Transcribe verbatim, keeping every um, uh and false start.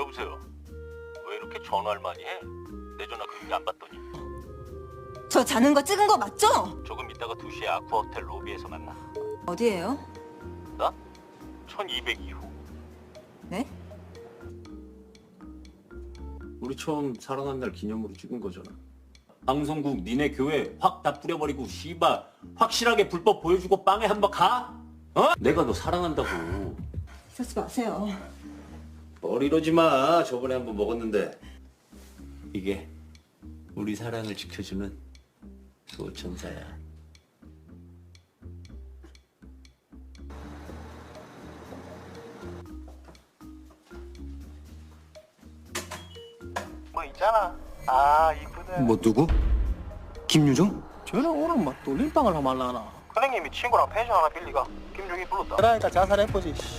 여보세요. 왜 이렇게 전화를 많이 해? 내 전화 그렇게 안 받더니. 저 자는 거 찍은 거 맞죠? 조금 이따가 두 시에 아쿠아 호텔 로비에서 만나. 어디예요? 나? 천이백 이후. 네? 우리 처음 사랑한 날 기념으로 찍은 거잖아. 방송국 니네 교회 확 다 뿌려버리고 씨발 확실하게 불법 보여주고 빵에 한번 가? 어? 내가 너 사랑한다고. 쓰지 마세요. 뭘 이러지 마. 저번에 한번 먹었는데. 이게 우리 사랑을 지켜주는 소천사야. 뭐 있잖아. 아 이쁘네. 뭐 누구? 김유정? 쟤는 오늘 막 돌림방을 하말라나. 큰형님이 친구랑 펜션 하나 빌리가 김종이 불렀다. 그러니까 자살해보지.